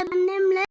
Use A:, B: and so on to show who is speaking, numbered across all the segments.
A: Annemle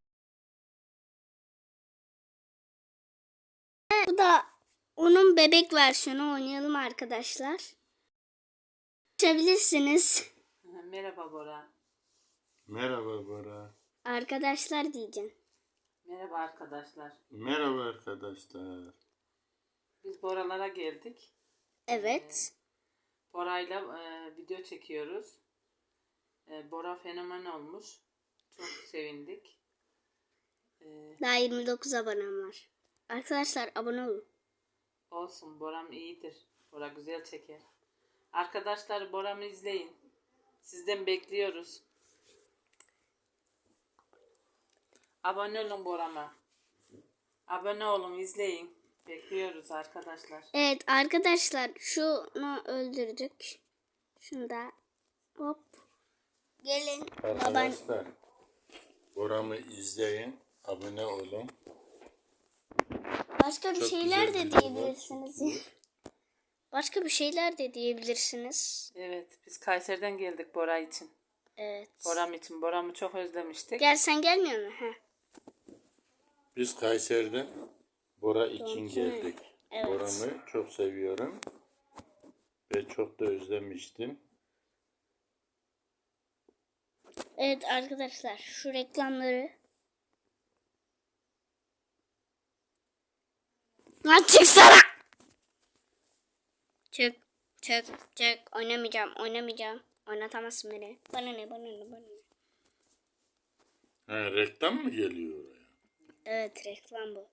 A: bu da onun bebek versiyonu, oynayalım arkadaşlar. Açabilirsiniz.
B: Merhaba Bora.
C: Merhaba Bora.
A: Arkadaşlar diyeceğim.
B: Merhaba arkadaşlar.
C: Merhaba arkadaşlar.
B: Biz Boralara geldik.
A: Evet.
B: Bora'yla video çekiyoruz. Bora fenomen olmuş. Çok sevindik.
A: Daha 29 abonem var. Arkadaşlar abone olun.
B: Olsun, Bora'm iyidir. Bora güzel çeker. Arkadaşlar Bora'mı izleyin. Sizden bekliyoruz. Abone olun Bora'ma. Abone olun, izleyin. Bekliyoruz arkadaşlar.
A: Evet arkadaşlar, şunu öldürdük. Şunu da hop. Gelin baban.
C: Arkadaşlar Bora'mı izleyin. Abone olun.
A: Başka bir
C: Çok
A: şeyler
C: güzel
A: de
C: videolar
A: diyebilirsiniz. Başka bir şeyler de diyebilirsiniz.
B: Evet, biz Kayseri'den geldik Bora için.
A: Evet.
B: Bora'm için. Bora'mı çok özlemiştik.
A: Gel, sen gelmiyor musun? Heh.
C: Biz Kayseri'den Bora için geldik.
A: Evet.
C: Bora'mı çok seviyorum. Ve çok da özlemiştim.
A: Evet arkadaşlar, şu reklamları. Lan çıksana. Çık. Oynamayacağım. Oynatamazsın beni. Bana ne.
C: Ha, reklam mı geliyor oraya?
A: Evet, reklam bu.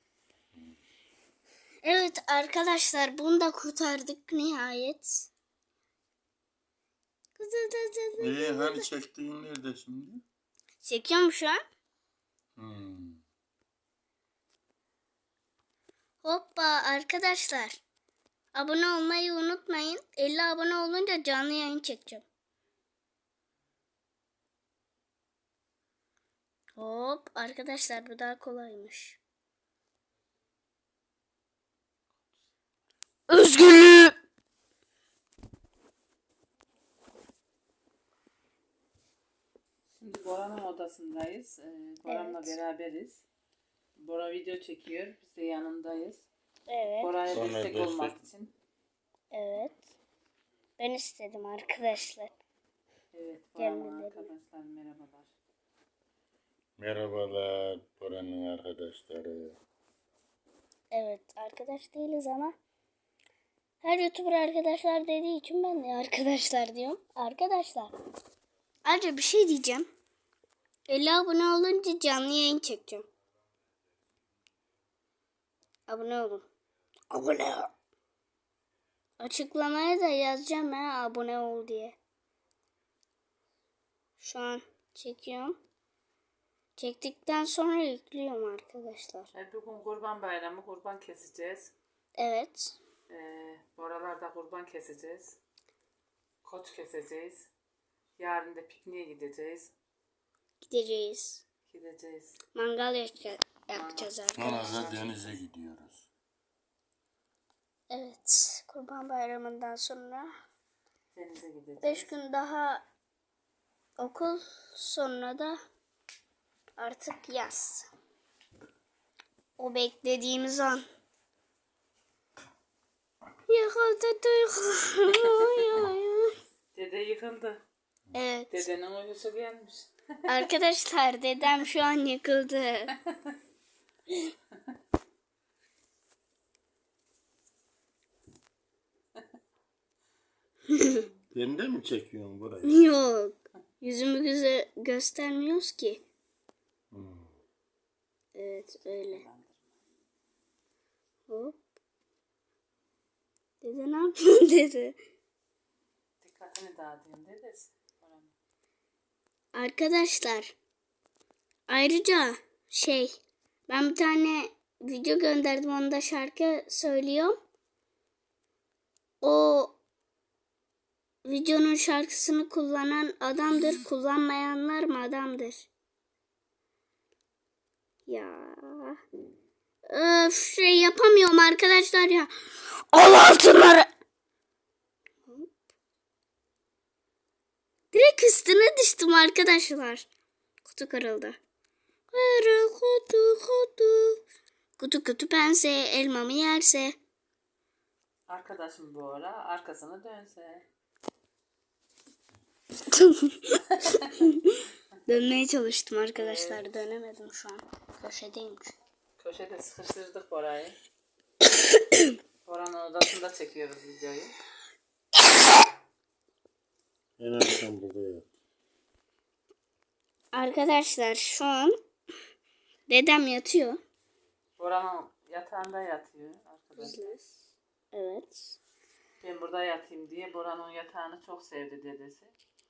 A: Evet arkadaşlar, bunu da kurtardık nihayet.
C: Hani çektiğin nerede şimdi?
A: Çekiyorum şu an. Hoppa arkadaşlar. Abone olmayı unutmayın. 50 abone olunca canlı yayın çekeceğim. Hop arkadaşlar, bu daha kolaymış. Özgürlüğü.
B: Şimdi Bora'nın odasındayız. Bora'mla
A: Evet.
B: beraberiz. Bora video çekiyor. Biz de yanındayız.
A: Evet.
B: Bora'ya
C: Sonra
B: destek
C: destek.
B: olmak için.
A: Evet. Ben istedim arkadaşlar.
B: Evet, Bora'nın
A: Gelmeleri.
B: arkadaşlar merhabalar.
C: Merhabalar Bora'nın arkadaşları.
A: Evet, arkadaş değiliz ama her YouTuber arkadaşlar dediği için ben de arkadaşlar diyorum. Arkadaşlar, ayrıca bir şey diyeceğim. 50 abone olunca canlı yayın çekeceğim. Abone olun. Abone ol. Açıklamaya da yazacağım abone ol diye. Şu an çekiyorum. Çektikten sonra yüklüyorum arkadaşlar.
B: Bugün Kurban Bayramı, kurban keseceğiz.
A: Evet.
B: Boralarda kurban keseceğiz. Koç keseceğiz. Yarın da pikniğe gideceğiz.
A: Gideceğiz. Mangal yakacağız arkadaşlar.
C: Sonra da denize gidiyoruz.
A: Evet. Kurban Bayramı'ndan sonra
B: Denize gideceğiz.
A: 5 gün daha okul, sonra da artık yaz. O beklediğimiz an. Yıkıldı duygularım.
B: Dede yıkıldı.
A: Evet.
B: Dedenin uykusu gelmiş.
A: Arkadaşlar, dedem şu an yıkıldı.
C: Sen de mi çekiyorsun burayı?
A: Yok. Yüzümü göstermiyoruz ki. Evet öyle. Hop. Dede ne yapıyorsun dede?
B: Dikkatini dağıtayım dedesi.
A: Arkadaşlar, ayrıca ben bir tane video gönderdim, onda şarkı söylüyorum. O videonun şarkısını kullanan adamdır, kullanmayanlar mı adamdır? Ya. Öf, yapamıyorum arkadaşlar ya. Al altınları. Direkt üstüne düştüm arkadaşlar. Kutu kırıldı. Arı kutu kutu. Kutu kutu pense elmamı yerse.
B: Arkadaşım bu ara arkasını dönse.
A: Dönmeye çalıştım arkadaşlar. Dönemedim şu an. Köşedeyim.
B: Köşede sıkıştırdık Bora'yı. Bora'nın odasında çekiyoruz videoyu.
C: En akşam burada yat.
A: Arkadaşlar şu an dedem yatıyor.
B: Bora'nın yatağında yatıyor arkadaşlar.
A: Evet.
B: Ben burada yatayım diye Bora'nın yatağını çok sevdi dedesi.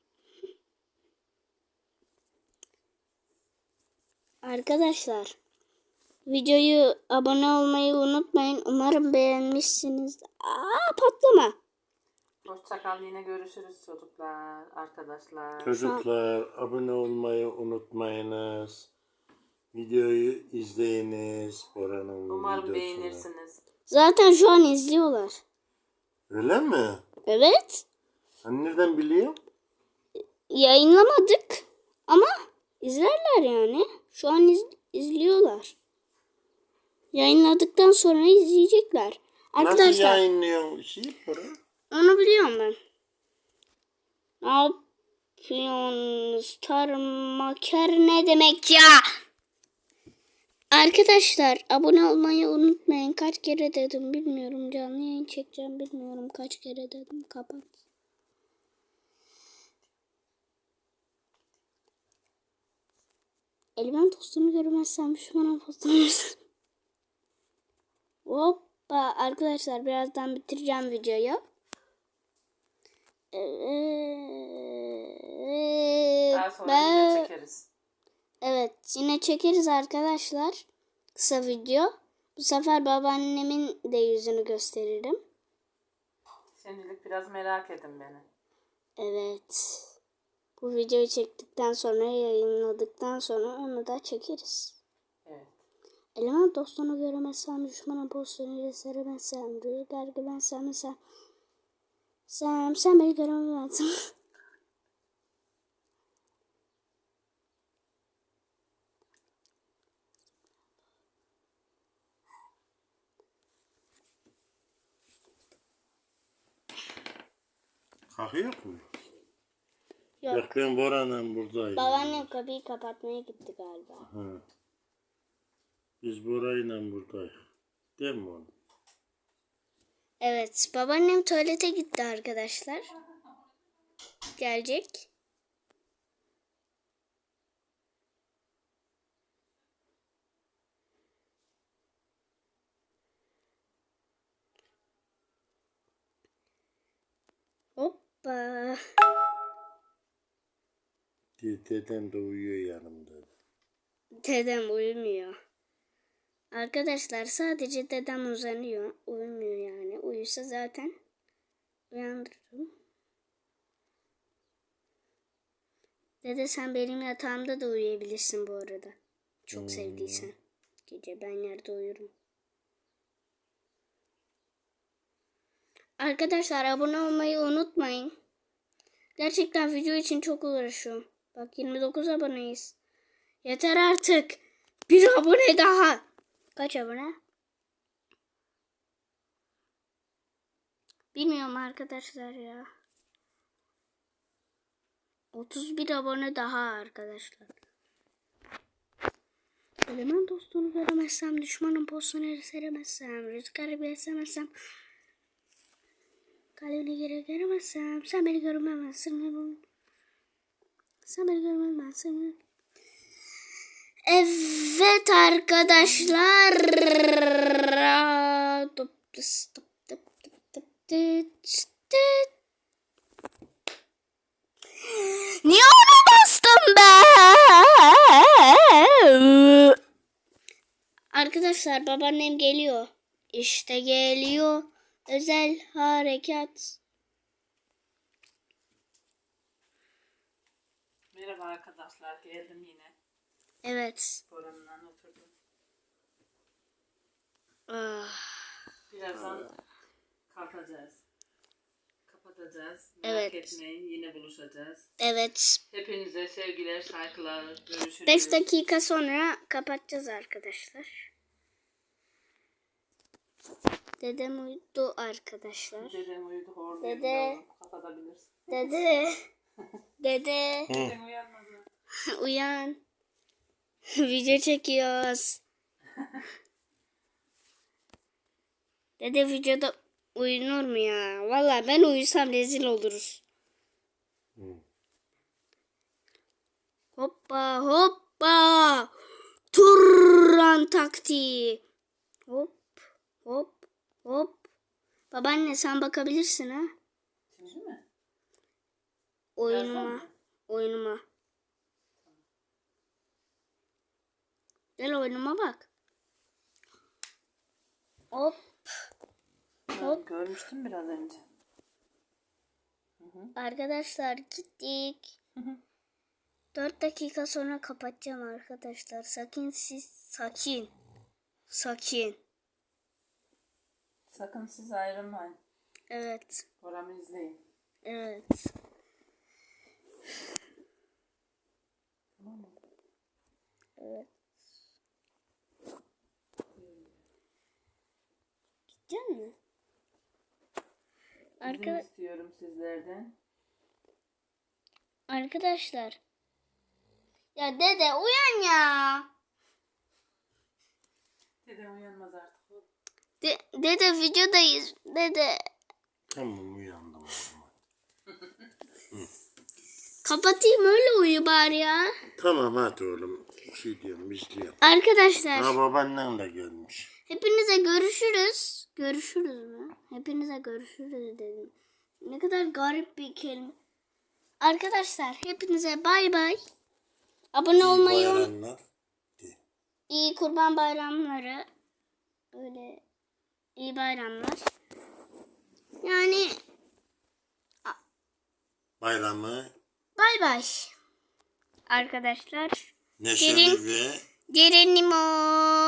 A: Arkadaşlar videoyu abone olmayı unutmayın. Umarım beğenmişsiniz. Patlama.
B: Hoşça kal, yine görüşürüz çocuklar, arkadaşlar.
C: Çocuklar abone olmayı unutmayınız. Videoyu izleyiniz. Bora'nın
B: Umarım
C: videosunu.
B: beğenirsiniz.
A: Zaten şu an izliyorlar.
C: Öyle mi?
A: Evet.
C: Sen nereden biliyorsun?
A: Yayınlamadık ama izlerler yani. Şu an izliyorlar. Yayınladıktan sonra izleyecekler.
C: Nasıl
A: Arkadaşlar
C: yayınlıyorsun Bora?
A: onu biliyorum ben. Ne yapıyorsunuz? Tarmaker ne demek ya? Arkadaşlar abone olmayı unutmayın. Kaç kere dedim bilmiyorum. Canlı yayın çekeceğim bilmiyorum. Kaç kere dedim. Kapat. Elimin tostunu görmezsem şu an postunu. Hoppa arkadaşlar birazdan bitireceğim videoyu.
B: Daha sonra yine çekeriz.
A: Evet yine çekeriz arkadaşlar. Kısa video. Bu sefer babaannemin de yüzünü gösteririm.
B: Şimdilik biraz merak edin beni.
A: Evet. Bu videoyu çektikten sonra yayınladıktan sonra onu da çekeriz.
B: Evet.
A: Eleman dostunu göremezsem, düşmana postunu seremezsem, rüzgar gibi sevmezsem, sen beni göremezsin.
C: Kalkıyor mu?
A: Yok.
C: Bak ben Bora'nın buradayım.
A: Babaannem kapıyı kapatmaya gitti galiba.
C: Ha. Biz Bora'yla buradayız. Değil mi oğlum?
A: Evet, babaannem tuvalete gitti arkadaşlar. Gelecek. Hoppa.
C: Dedem de uyuyor yanımda.
A: Dedem uyumuyor. Arkadaşlar sadece dedem uzanıyor. Uyumuyor yani. Uyusa zaten uyandırırım. Dede sen benim yatağımda da uyuyabilirsin bu arada. Çok sevdiysen. Gece ben yerde uyurum. Arkadaşlar abone olmayı unutmayın. Gerçekten video için çok uğraşıyorum. Bak 29 aboneyiz. Yeter artık. Bir abone daha. Kaç abone? Bilmiyorum arkadaşlar ya. 31 abone daha arkadaşlar. Eleman dostunu göremezsem, düşmanın postunu seremezsem, rüzgarı bir esemezsem, kalbini geri göremezsem, sen beni görmemezsin. Sen beni görmemezsin. Evet arkadaşlar. Niye ona bastım ben? Arkadaşlar babaannem geliyor. İşte geliyor. Özel harekat.
B: Merhaba arkadaşlar, geldim yine.
A: Evet.
B: Bora'nın oturdum.
A: Ah.
B: Birazdan kalkacağız. kapatacağız.
A: Evet.
B: Merak etmeyin, yine buluşacağız.
A: Evet.
B: Hepinize sevgiler, saygılar. Görüşürüz.
A: 5 dakika sonra kapatacağız arkadaşlar. Dedem uyudu arkadaşlar.
B: Dedem uyudu, hor
A: Dede.
B: yavrum, kapatabilirsin.
A: Dede. Dede.
B: Dedem uyanmadı.
A: Uyan. Video çekiyoruz. Dede videoda uyunur mu ya? Vallahi ben uyusam rezil oluruz. Hoppa hoppa. Turan taktiği. Hop hop hop. Babaanne sen bakabilirsin ha.
B: Şimdi mi?
A: Oyunuma.
B: Birazdan mı?
A: Oyunuma. Gel oyunuma bak. Hop.
B: Ben görmüştüm biraz önce.
A: Arkadaşlar gittik. 4 dakika sonra kapatacağım arkadaşlar. Sakin.
B: Sakın siz ayrılmayın.
A: Evet.
B: Boramı izleyin.
A: Evet.
B: Tamam mı?
A: Evet. Gidecek mi?
B: İzin istiyorum sizlerden.
A: Arkadaşlar. Ya dede uyan ya.
B: Dedem uyanmaz artık.
A: Dede videodayız. Dede.
C: Tamam uyandım.
A: Kapatayım öyle uyu bari ya.
C: Tamam hadi oğlum. Bir şey diyorum izliyorum.
A: Arkadaşlar.
C: Ha babaannen de görmüş.
A: Hepinize görüşürüz. Görüşürüz mü? Hepinize görüşürüz dedim. Ne kadar garip bir kelime. Arkadaşlar hepinize bay bay. Abone olmayı
C: Bayramlar.
A: iyi kurban bayramları. Böyle iyi bayramlar. Yani
C: Bayramı
A: bay bay. Arkadaşlar.
C: neşeli ve
A: Geronimo.